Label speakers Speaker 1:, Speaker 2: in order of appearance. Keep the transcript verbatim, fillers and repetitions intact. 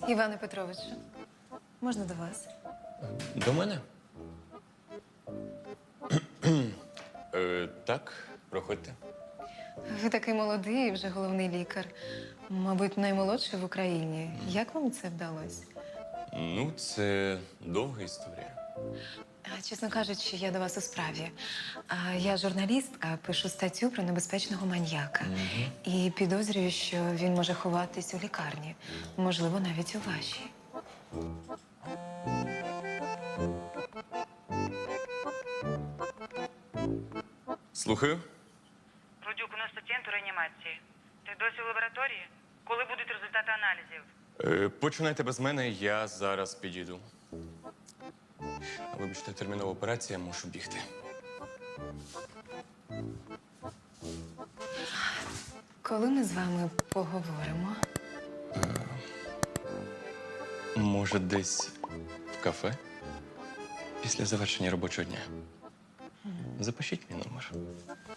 Speaker 1: Іване Петровичу, можна до вас?
Speaker 2: До мене? е, так, проходьте.
Speaker 1: Ви такий молодий і вже головний лікар. Мабуть, наймолодший в Україні. Як вам це вдалося?
Speaker 2: Ну, це довга історія.
Speaker 1: А, Чесно кажучи, я до вас у справі. А, Я журналістка, пишу статтю про небезпечного маньяка. І підозрюю, що він може ховатись у лікарні. Можливо, навіть у вашій.
Speaker 2: Слухаю.
Speaker 3: Рудюк, у нас пацієнт у реанімації. Ти досі в лабораторії? Коли будуть результати аналізів?
Speaker 2: Е, починайте без мене, я зараз підійду. Вибачте, термінова операція, мушу бігти.
Speaker 1: Коли ми з вами поговоримо?
Speaker 2: Може, десь в кафе? Після завершення робочого дня. Запишіть мій номер.